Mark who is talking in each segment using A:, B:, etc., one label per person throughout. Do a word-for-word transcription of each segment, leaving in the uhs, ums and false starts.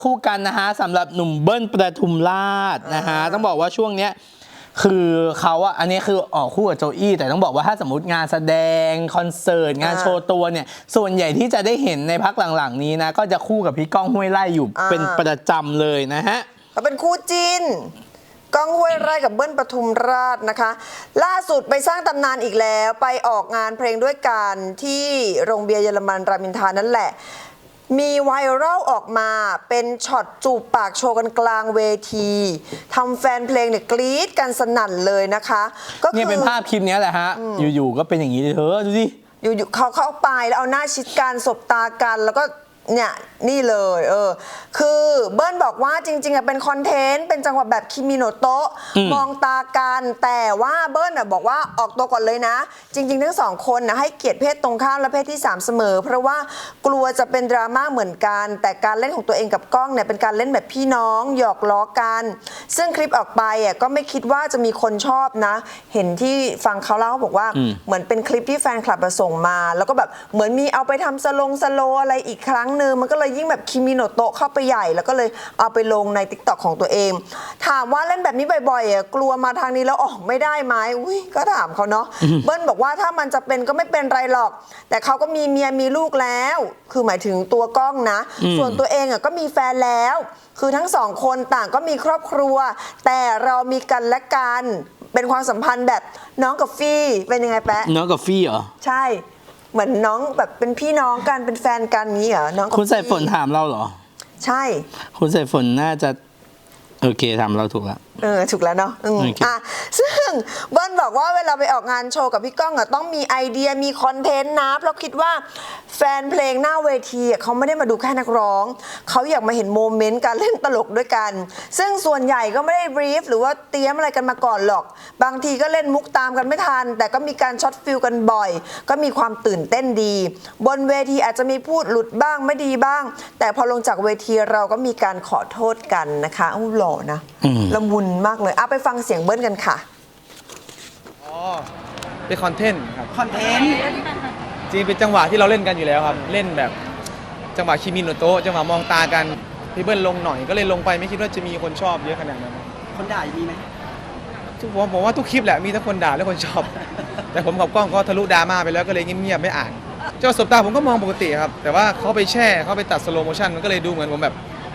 A: คู่กันนะฮะสำหรับหนุ่มเบิ้ลประทุมราชนะฮะต้องบอกว่าช่วงเนี้ยคือเขาอะอันนี้คือออกคู่กับโจอี้แต่ต้องบอกว่าถ้าสมมติงานแสดงคอนเสิร์ตงานโชว์ตัวเนี่ยส่วนใหญ่ที่จะได้เห็นในพักหลังๆนี้นะก็จะคู่กับพี่ก้องห้วยไร่อยู่เป็นประจำเลยนะฮะ
B: เขาเป็นคู่จิ้นก้องห้วยไร่กับเบิ้ลปทุมราชนะคะ ล่าสุดไปสร้างตำนานอีกแล้วไปออกงานเพลงด้วยกันที่โรงเบียร์เยอรมันรามอินทรานั่นแหละมีไวรัลออกมาเป็นช็อตจูบปากโชว์กันกลางเวทีทำแฟนเพลงเนี่ยกรี๊ดกันสนั่นเลยนะคะ
A: ก็คือเนี่ยเป็นภาพคลิปนี้แหละฮะอยู่ๆก็เป็นอย่างนี้เลยเธอดูสิ
B: อยู่ๆเขาเข้าไปแล้วเอาหน้าชิดกันสบตากันแล้วก็เนี่ยนี่เลยเออคือเบิ้ลบอกว่าจริงๆอะเป็นคอนเทนต์เป็นจังหวะแบบคิมิโนโตะมองตากันแต่ว่าเบิ้ลอะบอกว่าออกตัวก่อนเลยนะจริงๆทั้งสองคนนะให้เกียรติเพศตรงข้ามและเพศที่สามเสมอเพราะว่ากลัวจะเป็นดราม่าเหมือนกันแต่การเล่นของตัวเองกับกล้องเนี่ยเป็นการเล่นแบบพี่น้องหยอกล้อกันซึ่งคลิปออกไปอะก็ไม่คิดว่าจะมีคนชอบนะเห็นที่ฟังเขาเล่าบอกว่าเหมือนเป็นคลิปที่แฟนคลับมาส่งมาแล้วก็แบบเหมือนมีเอาไปทำสลงสโลอะไรอีกครั้งนึงมันก็เลยยิ่งแบบคิมิโนโตะเข้าไปใหญ่แล้วก็เลยเอาไปลงใน ติ๊กต็อก ของตัวเองถามว่าเล่นแบบนี้บ่อยๆอ่ะกลัวมาทางนี้แล้วออกไม่ได้ไหมอุ้ยก็ถามเขาเนาะเบิ้ลบอกว่าถ้ามันจะเป็นก็ไม่เป็นไรหรอกแต่เขาก็มีเมียมีลูกแล้วคือหมายถึงตัวกล้องนะส่วนตัวเองอ่ะก็มีแฟนแล้วคือทั้งสองคนต่างก็มีครอบครัวแต่เรามีกันและกันเป็นความสัมพันธ์แบบน้องกับฟี่เป็นยังไงแปะ
A: น้องกับฟี่เหรอ
B: ใช่เหมือนน้องแบบเป็นพี่น้องกันเป็นแฟนกันนี้เหรอน้อง
A: คุณใส่ฝนถามเราเหรอ
B: ใช่
A: คุณใส่ฝนน่าจะโอเคถามเราถูกแล้ว
B: เออถูกแล้วเนาะอ่ะซึ่งเบิ้ลบอกว่าเวลาไปออกงานโชว์กับพี่ก้องอ่ะต้องมีไอเดียมีคอนเทนต์นะเพราะคิดว่าแฟนเพลงหน้าเวทีเขาไม่ได้มาดูแค่นักร้องเขาอยากมาเห็นโมเมนต์การเล่นตลกด้วยกันซึ่งส่วนใหญ่ก็ไม่ได้บรีฟหรือว่าเตรียมอะไรกันมาก่อนหรอกบางทีก็เล่นมุกตามกันไม่ทันแต่ก็มีการช็อตฟิลกันบ่อยก็มีความตื่นเต้นดีบนเวทีอาจจะมีพูดหลุดบ้างไม่ดีบ้างแต่พอลงจากเวทีเราก็มีการขอโทษกันนะคะอู้หล่อนะละมุนมากเลยเอาไปฟังเสียงเบิ้ลกันค่ะ
C: อ๋อเป็นคอนเทนต์ครับ
B: คอนเทนต์
C: จริงเป็นจังหวะที่เราเล่นกันอยู่แล้วครับเล่นแบบจังหวะคิมิโนโตะจังหวะมองตากันพี่เบิ้ลลงหน่อยก็เลยลงไปไม่คิดว่าจะมีคนชอบเยอะขนาดนั้น
B: คนด่ามีไหม
C: ทุกผมผมว่าทุกคลิปแหละมีทั้งคนด่าและคนชอบแต่ผมกับกล้องก็ทะลุดราม่าไปแล้วก็เลยเงียบๆไม่อ่านเจ้าสบตาผมก็มองปกติครับแต่ว่าเขาไปแช่เขาไปตัดสโลโมชั่นมันก็เลยดูเหมือนผมแบบ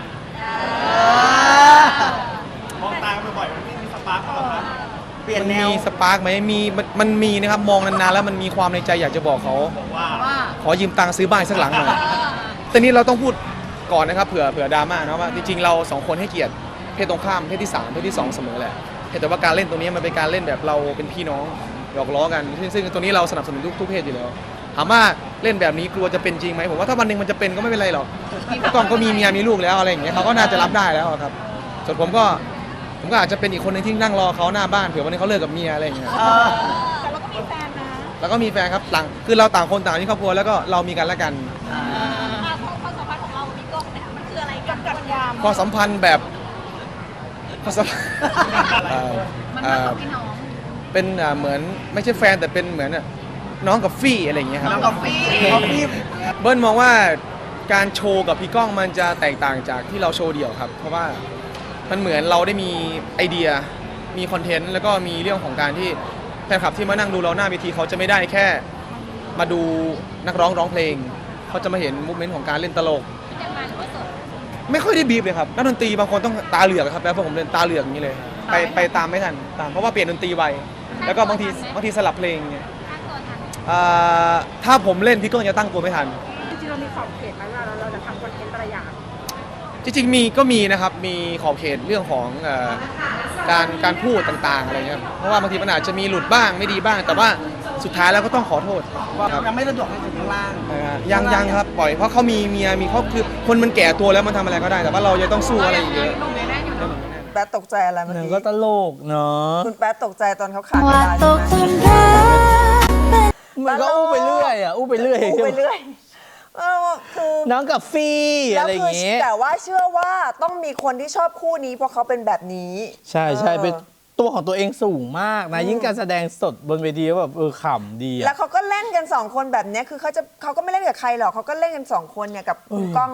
D: มองตาบ่อยๆมันไม่มีสปาร์กหรอครับ
C: เปลี่ยนแนวมีสปาร์กไหมมีมันมีนะครับมองนานๆแล้วมันมีความในใจอยากจะบอกเขาว่าขอยืมตังค์ซื้อบ้านสักหลังหน่อยแต่นี้เราต้องพูดก่อนนะครับเผื่อเผื่อดราม่านะว่าจริงๆเราสองคนให้เกียรติเพศตรงข้ามเพศที่สามเพศที่สองเสมอแหละแต่ว่าการเล่นตรงนี้มันเป็นการเล่นแบบเราเป็นพี่น้องหยอกล้อกันซึ่งตรงนี้เราสนับสนุนทุกทุกเพศอยู่แล้วถามว่าเล่นแบบนี้กลัวจะเป็นจริงไหมผมว่าถ้าวันหนึ่งมันจะเป็นก็ไม่เป็นไรหรอกกล้องก็มีเมียมีลูกแล้วอะไรอย่างเงี้ยเขาก็น่าจะรับได้แล้วครับส่วนผมก็ผมก็อาจจะเป็นอีกคนนึงที่นั่งรอเขาหน้าบ้านเผื่อวันนี้เขาเลิกกับเมียอะไรอย่างเงี้ย
E: แต่เราก็มีแฟนนะ
C: แล้วก็มีแฟนครับต่างคือเราต่างคนต่างที่ครอบครัวแล้วก็เรามีกันและกัน
E: ความสัมพันธ์ของเรามีกล้องเนี่ยมันคืออะไรกันกันยาม
C: ความสัมพันธ์แบบความสัมพันธ์
E: มันเป็นพี่น้อง
C: เป็นเหมือนไม่ใช่แฟนแต่เป็นเหมือนน้องกับฟี่อะไรอย่างเงี้ยครับ
B: น้องกับฟี่น้องฟี่
C: เบิ้ลมองว่าการโชว์กับพี่ก้องมันจะแตกต่างจากที่เราโชว์เดี่ยวครับเพราะว่ามันเหมือนเราได้มีไอเดียมีคอนเทนต์แล้วก็มีเรื่องของการที่แฟนคลับที่มานั่งดูเราหน้าเวทีเขาจะไม่ได้แค่มาดูนักร้องร้องเพลงเขาจะมาเห็นมูฟเมนต์ของการเล่นตลกไม่ค่อยได้บีบเลยครับนักดนตรีบางคนต้องตาเหลือกครับแล้วพวกผมเล่นตาเหลือกอย่างนี้เลยไปไปตามไม่ทันตามเพราะว่าเปลี่ยนดนตรีไวแล้วก็บางทีบางทีสลับเพลงเนี่ยถ้าผมเล่นพี่ก้องจะตั้งตัวไม่ทัน
E: จริงๆเรามีขอบเขตไหมว่าเราจะทำคอนเทนต์อะไรอย่าง
C: จริงๆมีก็มีนะครับมีขอบเขตเรื่องของการการพูดต่างๆอะไรเงี้ยเพราะว่าบางทีมันอาจจะมีหลุดบ้างไม่ดีบ้างแต่ว่าสุดท้ายแล้วก็ต้องขอโทษ
B: ยังไม่สะดวกให้ถึงข้างล่าง
C: ยังยังครับปล่อยเพราะเขามีเมียมีเขาคือคนมันแก่ตัวแล้วมันทำอะไรก็ได้แต่ว่าเราจะต้องสู้อะไรอีกเยอะ
B: แป๊ดตกใจอะไรเมื่อกี้
A: ก็ตลกเนาะ
B: คุณแป๊ดตกใจตอนเขาขาดไม่ได้ใช่ไหม
A: มันก็อู้ไปเรื่อยอ่ะอู้ไปเรื่อย
B: อู้ไปเรื่อย
A: คือน้องกับฟี่อะไรอย่างเงี้ย
B: แต่ว่าเชื่อว่าต้องมีคนที่ชอบคู่นี้เพราะเขาเป็นแบบนี้
A: ใช่ใช่เป็นตัวของตัวเองสูงมากนะยิ่งการแสดงสดบนเวทีแบบเออขำดี
B: แล้วเขาก็เล่นกันสองคนแบบนี้คือเขาจะเขาก็ไม่เล่นกับใครหรอกเขาก็เล่นกันสองคนเนี่ยกับคุณก้อง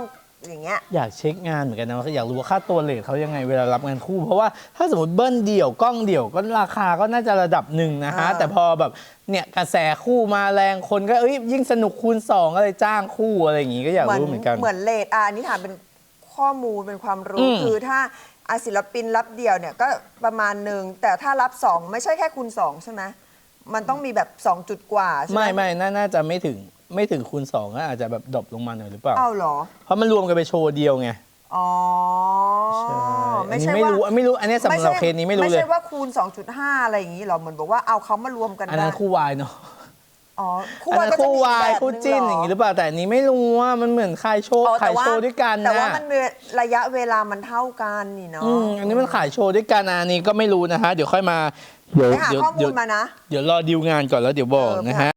B: อย่างเงี้ย
A: อยากเช็คงานเหมือนกันนะอยากรู้ว่าค่าตัวเลทเขายังไงเวลารับงานคู่ เพราะว่าถ้าสมมติเบิ้ลเดี่ยวกล้องเดี่ยวก็ราคาก็น่าจะระดับหนึ่งนะฮะ
B: อ่า
A: แต่พอแบบเนี่ยกระแสคู่มาแรงคนก็เอ้ยยิ่งสนุกคูณสองอะไรจ้างคู่อะไรอย่างงี้ก็อยากรู้เหมือนกัน
B: เหมือนเลทอ่ะอันนี้ถามเป็นข้อมูลเป็นความ
A: อื
B: รู้
A: ม
B: คือถ้าอาศิลปินรับเดี่ยวเนี่ยก็ประมาณหนึ่งแต่ถ้ารับสองไม่ใช่แค่คูณสองใช่ไหมมันต้องมีแบบสองจุดกว่าใช่ไหม
A: ไม่ไม่น่าน่าจะไม่ถึงไม่ถึงคูณสองก็อาจจะแบบดรอปลงมาหน่อยหรือเปล่า
B: เอ้าเหรอ
A: เพราะมันรวมกันไปโชว์เดียวไง
B: อ๋อ
A: ใช่อัน
B: ไม่
A: นี้
B: ใช่
A: ไม่
B: ว่า
A: รู้ไม่รู้อันนี้สำหรับเคสนี้ไม่รู้
B: ไม่
A: เลย
B: ใช่ว่าคูณ สองจุดห้า อะไรอย่างนี้หรอเหมือนบอกว่าเอาเขามารวมกัน
A: อัน
B: ได้
A: นั้นคู่วายเนาะ
B: อ๋อ
A: อันนั้น
B: ก็จะ
A: คู่
B: มี
A: วาย
B: แบบ
A: คู่จิ้น
B: ห
A: อย่างนี้หรือเปล่าแต่อันนี้ไม่รู้ว่ามันเหมือนขายโชว์
B: อ๋อ
A: ขา
B: แต่
A: ย
B: ว่า
A: โชว์ด้วยกัน
B: แต่ว่า
A: นะ
B: มันมีระยะเวลามันเท่ากันนี่เนาะ
A: อืมอันนี้มันขายโชว์ด้วยกันอันนี้ก็ไม่รู้นะฮะ เดี๋ยวค่อยมา เดี๋ยว
B: ไปหา
A: เดี๋ยว
B: ข้อมู
A: เดี๋ย
B: ล
A: ว
B: มานะ
A: เดี๋ยวรอดีลงานก่อนแล้วเดี๋ยวบอก
B: เออไป
A: นะ
B: หา
A: ฮะ